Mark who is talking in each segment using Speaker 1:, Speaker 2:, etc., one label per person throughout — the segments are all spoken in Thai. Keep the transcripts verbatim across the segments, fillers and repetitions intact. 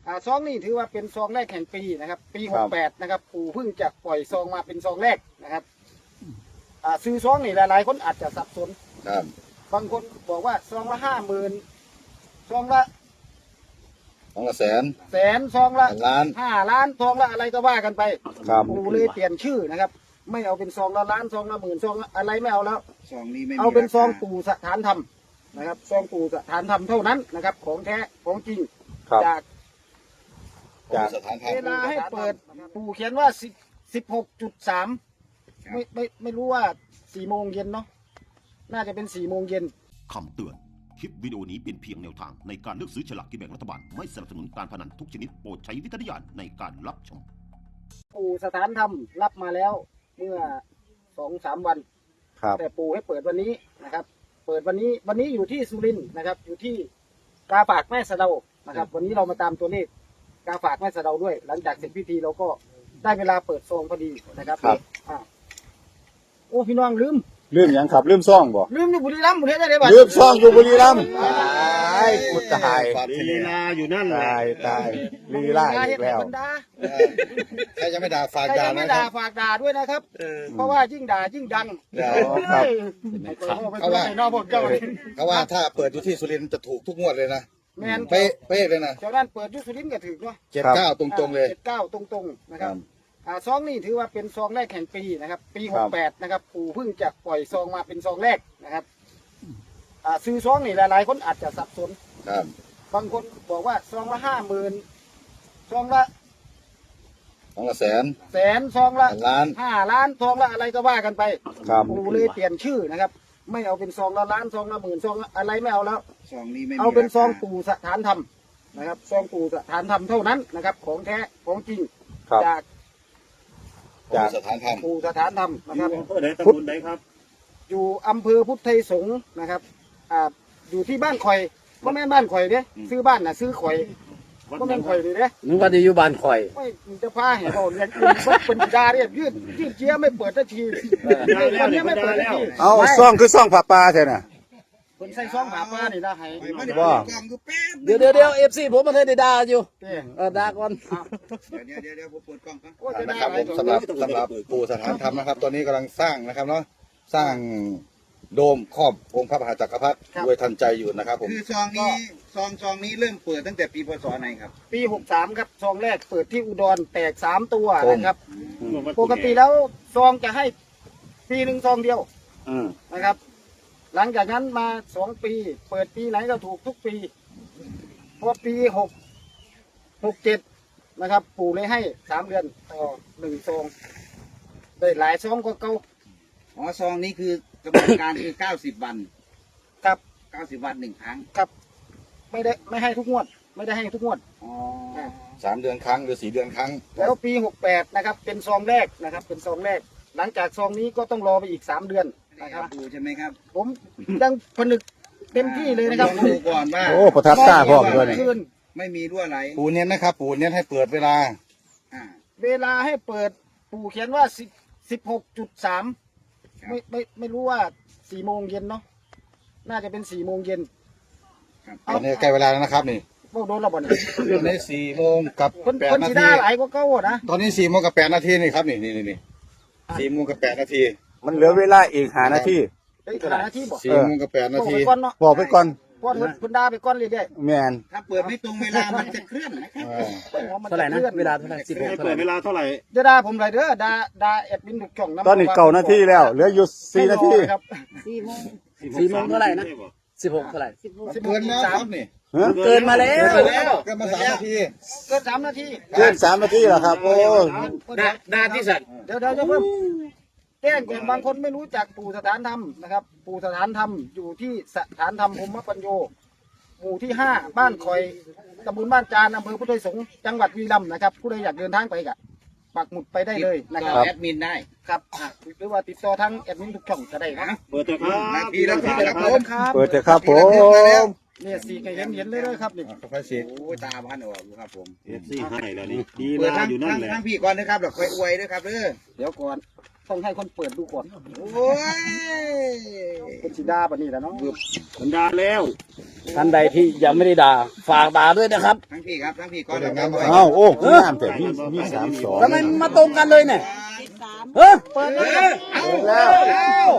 Speaker 1: อ่าซองนี่ถือว่าเป็นซองแรกแห่งปีนะครับปีหกแปดนะครับปู่เพิ่งจะปล่อยซองมาเป็นซองแรกนะครับอ่าซื้อซองนี่หลายๆคนอาจจะสับสน
Speaker 2: ครับ
Speaker 1: บางคนบอกว่าซองละห้าหมื่นซองละ
Speaker 2: ซองละแสน
Speaker 1: แสนซองละ
Speaker 2: ล้าน
Speaker 1: ห้าล้านซองละอะไรก็ว่ากันไป
Speaker 2: ครับ
Speaker 1: ปู่เลยเปลี่ยนชื่อนะครับไม่เอาเป็นซองละล้านซองละหมื่นซองละอะไรไม่เอาแล้ว
Speaker 3: ซองนี้ไม่
Speaker 1: เอาเป็นซองปู่สถานธรรมนะครับซองปู่สถานธรรมเท่านั้นนะครับของแท้ของจริงจาก
Speaker 2: จากสถานธรรม
Speaker 1: เวลาให้เปิดปู่เขียนว่าสิบหกจุดสามไม่ไม่ไม่รู้ว่าสี่โมงเย็นเนาะน่าจะเป็นสี่โมงเย็น
Speaker 4: คำเตือนคลิปวิดีโอนี้เป็นเพียงแนวทางในการเลือกซื้อฉลากกินแบ่งรัฐบาลไม่สนับสนุนการพนันทุกชนิดโปรดใช้วิจารณญาณในการรับชม
Speaker 1: ปู่สถานธรรมรับมาแล้วเมื่อสองสามวันแต่ปู่ให้เปิดวันนี้นะครับเปิดวันนี้วันนี้อยู่ที่สุรินทร์นะครับอยู่ที่กาฝากแม่สะเดานะครับวันนี้เรามาตามตัวเลขกาฝากแม่สะเดาด้วยหลังจากเสร็จพิธีเราก็ได้เวลาเปิดซองพอดีนะครับอ่าโอ้พี่น้องลืม
Speaker 2: ลืมยังครับลืมซ่องบ่
Speaker 1: ลืมอยู่บุรีรัมย์บุรีได้เลยบ่
Speaker 2: ลืมซ่องอยู่บุรีรัมย์ตายกูตาย
Speaker 3: ลีลาอยู่นั่นแหละ
Speaker 2: ตายตายลีลาอีกแล้ว
Speaker 3: ใครจะไม่ด่าฝาก
Speaker 1: ด่า
Speaker 3: ด่า
Speaker 1: ไม่ด่าฝากด่าด้วยนะครับเพราะว่ายิ่งด่ายิ่งดัง
Speaker 3: เขาว่าเขาว่าถ้าเปิดอยู่ที่สุรินทร์จะถูกทุกงวดเลยนะ
Speaker 1: แมน
Speaker 3: เป๊ะเป๊ะเลยนะ
Speaker 1: เจ้าด้านเปิดยุสุรินทร์ก็ถือเนาะ
Speaker 3: เจ็ดเก้าตรงๆเลย
Speaker 1: เจ็ดเก้าตรงๆนะครับอ่าซองนี่ถือว่าเป็นซองแรกแห่งปีนะครับปีหกแปดนะครับปู่เพิ่งจะปล่อยซองมาเป็นซองแรกนะครับอ่าซื้อซองนี่หลายๆคนอาจจะสับสน
Speaker 2: ครับ
Speaker 1: บางคนบอกว่าซองละห้าหมื่นซองละ
Speaker 2: ซองละแสน
Speaker 1: แสนซองละ
Speaker 2: ล้าน
Speaker 1: ห้าล้านซองละอะไรก็ว่ากันไป
Speaker 2: ครับ
Speaker 1: ปู่เลยเปลี่ยนชื่อนะครับไม่เอาเป็นซองละล้านซองละหมื่นซองละอะไรไม่เอาแล้ว
Speaker 3: ซองนี้ไม่
Speaker 1: เอาเป็นซองปู่สถานธรรมนะครับซองปู่สถานธรรมเท่านั้นนะครับของแท้ของจริงจาก
Speaker 2: จากสถานธรรม
Speaker 1: ปู่สถานธรรมนะครับ
Speaker 3: อำเภอไหนตำบลไหนครับ
Speaker 1: อยู่อำเภอพุทธไทยสงฆ์นะครับอ่าอยู่ที่บ้านข่อยก็แม่บ้านข่อยเนี่ยซื้อบ้านน่ะซื้อข่อยก็แม่ข่อยเลยเนี่ย
Speaker 5: นึกว่าจะอยู่บ้านข่อย
Speaker 1: ไม่จะพาเห็นเราเนี่ยเป็นดาเนี่ยยืดยืดเจี๊ยไม่เปิดทันทีวันนี้ไม่เปิดทันที
Speaker 2: เอาซ่องคือซ่องผ้าป่าใช่ไหม
Speaker 1: คนใส่ซ่องผ้าป่านี่นะให้
Speaker 2: ว่า
Speaker 5: เดี๋ยวเดี๋ยวเดี๋ยวเอฟซีผมมาเทได้ด่าอยู่เออด่าก่อน
Speaker 3: เดี๋ยวเดี๋ยวเดี๋ยวผมเปิดกล้องครับ
Speaker 2: นะครับผมสำหรับสำหรับปู่สถานธรรมนะครับตอนนี้กำลังสร้างนะครับเนาะสร้างโดมครอบองค์พระมหาจักรพรรดิด้วยทันใจอยู่นะครับผม
Speaker 3: คือซองนี้ซองซองนี้เริ่มเปิดตั้งแต่ปีพศไหนครับ
Speaker 1: ปีหกสามครับซองแรกเปิดที่อุดรแตกสามตัวนะครับปกติแล้วซองจะให้ปีหนึ่งซองเดียวนะครับหลังจากนั้นมาสองปีเปิดปีไหนก็ถูกทุกปีพอปีหกหกเจ็ดนะครับปู่เลยให้สามเดือนต่อหนึ่งซองได้หลายซองก็เก่า
Speaker 3: อ๋อซองนี้คือกำหนดการคือเก้าสิบวัน
Speaker 1: ครับ
Speaker 3: เก้าสิบวันหนึ่งครั้ง
Speaker 1: ครับไม่ได้ไม่ให้ทุกงวดไม่ได้ให้ทุกงวด
Speaker 3: อ๋อ
Speaker 2: สามเดือนครั้งหรือสี่เดือนครั้ง
Speaker 1: แล้วปีหกแปดนะครับเป็นซองแรกนะครับเป็นซองแรกหลังจากซองนี้ก็ต้องรอไปอีกสามเดือนนะครับ
Speaker 3: ดูใช่ไหมครับ
Speaker 1: ผมยังผนึกเต็มที่เลยนะครับ
Speaker 3: ดูก่อนว่า
Speaker 2: โอ้ประทับตาพ่อเลย
Speaker 3: ไม่มีรั่วไหล
Speaker 2: ปู่เน้นนะครับปู่เน้นให้เปิดเวลา
Speaker 1: อ่าเวลาให้เปิดปู่เขียนว่าสิบสิบหกจุดสามไม่ไม่ไม่รู้ว่าสี่โมงเย็นเนาะน่าจะเป็นสี่โมงเย็น
Speaker 2: ตอนนี้ใกล้เวลาแล้วนะครับนี่
Speaker 1: พวกโดนระเบิด
Speaker 2: ตอนนี้สี่โมงกับแปดนาที
Speaker 1: หลายก็เก้านะ
Speaker 2: ตอนนี้สี่โมงกับแปดนาทีนี่ครับนี่นี่นี่สี่โมงกับแปดนาทีมันเหลือเวลาอีกห้านาทีสี่โมงกับแปดนาทีบอกไปก่อน
Speaker 1: พอคุณดาไปก้อนเรื่อย
Speaker 2: ๆแมน
Speaker 3: ถ้าเปิดไม่ตรงเวลามันจะเคลื่อนนะครับ
Speaker 5: เท่าไหร่นะเวลาเท่าไหร่สิบหก
Speaker 3: เปิดเวลาเท่าไหร่
Speaker 1: จะด่าผมไรเด้อด่าด่าแอดมินถูกจ่อง
Speaker 2: ตอนนี้เก้านาทีแล้วเหลืออยู่สี่นาที
Speaker 1: ครับ
Speaker 5: สี่โมงสี่โมงเท่าไหร่นะสิบหกเท่าไหร่
Speaker 3: เกินแล้วครับนี่
Speaker 5: เกินมาแล้ว
Speaker 3: เกินมาสามนาที
Speaker 1: เกินสามนาที
Speaker 2: เกินสามนาทีแล้วครับโอ้
Speaker 5: ด่าที่สัตว์
Speaker 1: เดี๋ยวเดี๋ยวจะเพิ่มแจ้งแก่บางคนไม่รู้จักปู่สถานธรรมนะครับปู่สถานธรรมอยู่ที่สถานธรรมพรหมปัญโยหมู่ที่ห้าบ้านคอยตำบลบ้านจานอำเภอพุทธไทยสงฆ์จังหวัดวีรัมย์นะครับผู้ใดอยากเดินทางไปกะปักหมุดไปได้เลยนะครับ
Speaker 3: แอดมินได้
Speaker 1: ครับหรือว่าติดต่อทั้งแอดมินทุกช่องก็ได้นะ
Speaker 3: เปิดเถอะครับนาทีละทีละผม
Speaker 2: เปิดเถอะครับผม
Speaker 1: เนี่ยสีก็เห็นเห็นเลยครับนี่
Speaker 2: ค่อยสี
Speaker 3: โอ้ตาพันออกครับผม
Speaker 2: เอฟซีให้แล้วนี่
Speaker 3: ดีลาอยู่นั่นแหละทั้งพี่ก่อนนะครับเดี๋ยวค่อยอวยด้วยครับเด้อ
Speaker 1: เดี๋ยวก่อนต้องให้คนเปิดดูก่อน
Speaker 3: โอ้ย
Speaker 1: เป็นสีดาปะนี่แหละเนาะ
Speaker 3: มันดาแล้ว
Speaker 5: ท่านใดที่ยังไม่ได้ด่าฝากด่าด้วยนะครับ
Speaker 3: ทั้งพี่ครับทั้งพี่ก็
Speaker 2: ก็
Speaker 3: เดี๋
Speaker 2: เดี๋
Speaker 3: ย
Speaker 2: ยว ว
Speaker 3: งาง
Speaker 2: าน น
Speaker 3: มา
Speaker 2: มา
Speaker 5: เอ้าโอ้งามแต่มีมีสามสองทำไมมาตรงกันเลยเนี่ยเฮ้ย
Speaker 1: เปิดแล้วแล้ว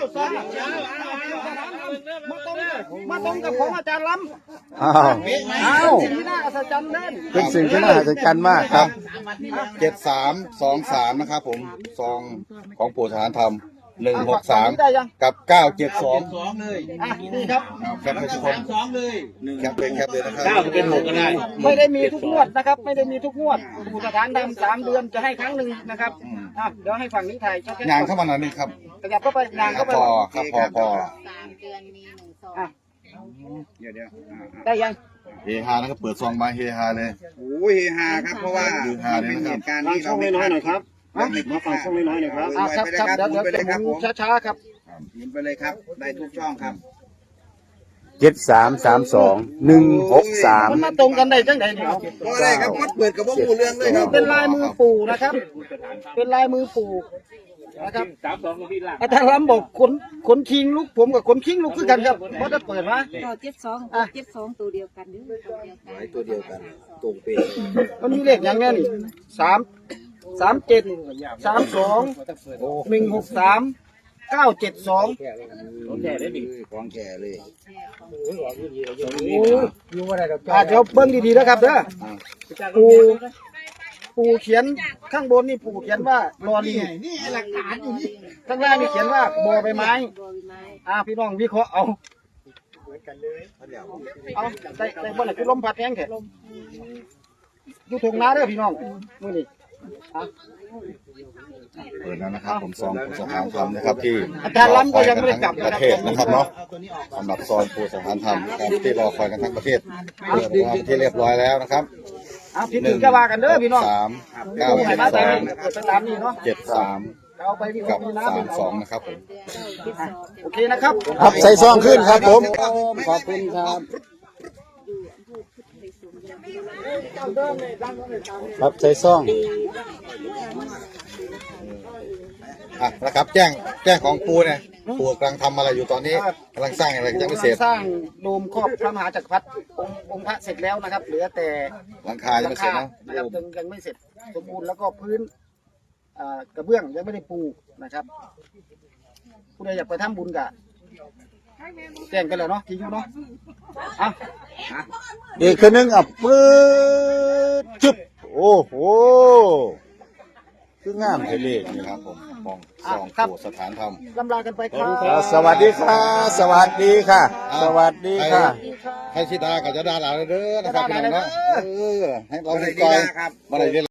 Speaker 1: มาตรงมาตรงกับของอาจารย์ล้ำ
Speaker 2: อ้าว
Speaker 5: อ้าว
Speaker 1: สิ่งที่น่าอัศจรรย์เล่น
Speaker 2: เป็นสิ่งที่น่าอัศจรรย์มากครับเจ็ดสามสองสามนะครับผมซองของปู่สถานธรรมหนึ่งหกสาม
Speaker 1: ได้ยัง
Speaker 2: กับเก้าเจ็ดสอง
Speaker 1: อ่ะนี่ครับ
Speaker 2: แคปเลยทุกคนแคปเลยแคปเลยนะครับ
Speaker 5: เก้าเป็นหกก็ได้
Speaker 1: ไม่ได้มีทุกงวดนะครับ ไม่ได้มีทุกงวดผู้สถานทำสามเดือนจะให้ครั้งหนึ่งนะครับอ่ะเดี๋ยวให้ฝั่งนี้ถ่ายชัดๆ
Speaker 2: งานเข้ามาหน่อยนึงครับ
Speaker 1: ขยับเข้าไปงาน
Speaker 2: ครั
Speaker 1: เข้า
Speaker 2: บ
Speaker 1: ไป
Speaker 2: พอครับพอพอ
Speaker 6: สามเดือนมีหนึ่งซอง
Speaker 1: อ่ะ
Speaker 3: เดี๋ยวเดี๋ยวอ่า
Speaker 1: ได้ยัง
Speaker 2: เฮฮานะครับเปิดซองมาเฮฮาเลย
Speaker 3: โอ้ยเฮฮาครับเพราะว่า
Speaker 2: เฮฮาเลย
Speaker 3: เป็น
Speaker 2: นะครับ
Speaker 3: เหตุการณ์ที่เราไม่น้อยหน่อยครับมาฟังช่องน้อยหน่อยครับ
Speaker 1: อ่ะครับ
Speaker 3: ไป
Speaker 1: ครับ
Speaker 3: เลยครับ
Speaker 1: เดี๋ยว
Speaker 3: หมุน
Speaker 1: เดี๋ยว
Speaker 3: ไปเลยครับ
Speaker 1: ห
Speaker 3: ผ
Speaker 1: มุ
Speaker 3: ม
Speaker 1: นช้าๆครับ
Speaker 3: หมุนไปเลยครับได้ทุกช่องครับ
Speaker 5: เจ็ดสามสามสองหนึ่งหกสาม
Speaker 1: มันมาตรงกันได้จังไหนเนี่ย
Speaker 3: เพราะอะไรครับวัดเปิดกับว่าหมู่เรื่องเลยครับ
Speaker 1: เป็นลายมือปู่นะครับ เป็นลายมือปู่นะครับอาจารย์ล้ำบอกขนขนคิงลุกผมกับขนคิงลุกคือกันครับเพราะถ้าเปิดมา
Speaker 6: ต่อเจ็ดสองเจ็ดสองตัวเดียวกันเด้อตัวเดียวกัน
Speaker 3: ตัวเดียวกันตรงเป๊ะ
Speaker 1: มันมีเลขอย่างเงี้ยนี่สามสามเจ็ดสามสองหนึ่งหกสามเก้าเจ็ดสอง
Speaker 3: ของแก่เลยของแก่เลย
Speaker 1: อ่าเดี๋ยวเบิ้งดีๆนะครับเด้อปูปูเขียนข้างบนนี่ปูเขียนว่ารอลิงข้างล่างนี่เขียนว่าบอใบไม้
Speaker 6: บัวใบไม้
Speaker 1: อ่าพี่น้องวิเคราะห์เอาเอาได้ได้บ่ไหนคือลมพัดแห้งแท้อยู่ทงนาเด้อพี่น้องมื้อนี้อ่ะ
Speaker 2: เปิดแล้วนะครับผมซองปู่สถานธรรมนะครับที่
Speaker 1: อาจารย์ล้ำก็ยังไม่ได้กลับ
Speaker 2: ประเทศนะครับเนาะสำหรับซองปู่สถานธรรมครับที่รอคอยกันทั้งประเทศเปิดวางที่เรียบร้อยแล้วนะครับ
Speaker 1: อ่ะพี่ถึงจะว่ากันเด้อพี่น้อง
Speaker 2: สามเก้า
Speaker 1: ปูให้
Speaker 2: เจ็ด
Speaker 1: มา
Speaker 2: ส
Speaker 1: แต่
Speaker 2: อง
Speaker 1: เปิดไปตามนี้เนาะ
Speaker 2: เจ็ดสาม
Speaker 1: เอาไปวิเค
Speaker 2: กั
Speaker 1: ราะ
Speaker 2: บ
Speaker 1: ห์นี่นะ
Speaker 2: สา
Speaker 1: พี่
Speaker 2: ม
Speaker 1: น้
Speaker 2: ส
Speaker 1: อ
Speaker 2: อง งนะครับผม
Speaker 1: โอเคนะครับ
Speaker 5: ครับใส่ซองขึ้นครับผม ขอบคุณครับ ครับใส่ซอง
Speaker 2: อ่ะนะครับ แจ้งแจ้งของปูเนี่ยปูกำลังทำอะไรอยู่ตอนนี้กำลังสร้างอะไรยังไม่เสร็จ
Speaker 1: สร้างโดมครอบพระมหาจักรพรรดิองค์องค์พระเสร็จแล้วนะครับ เหลือแต่
Speaker 2: หลังคายังไม่เสร็จ
Speaker 1: หลั
Speaker 2: นะ
Speaker 1: งคานะครับยังยังไม่เสร็จสมบูรณ์แล้วก็พื้นอ่ากระเบื้องยังไม่ได้ปูนะครับ ผู้ใดอยากไปทำบุญกะแจ้งกันแล้วเนาะที่อยู่เนาะอ่ะ
Speaker 5: อีกคนนึงอ่ะปื๊ดจุ๊บโอ้โหคืองามเทเลขนี่
Speaker 2: ค
Speaker 5: ค
Speaker 2: รั
Speaker 5: รั
Speaker 2: บบ ผมมองซองปูสถานธรรม
Speaker 1: ลำลากันไปครับ
Speaker 5: สวัสดีค่ะ สวัสดีค่ะ สวัสดีค่ะ
Speaker 2: ให้ชิดากับจะดาหลานเด้อนะครับพี่น้องเนาะเออให้เรา
Speaker 3: อะไร
Speaker 2: ได้
Speaker 3: ดี
Speaker 2: ก่อย
Speaker 3: นะครับ
Speaker 2: มาได้เรียน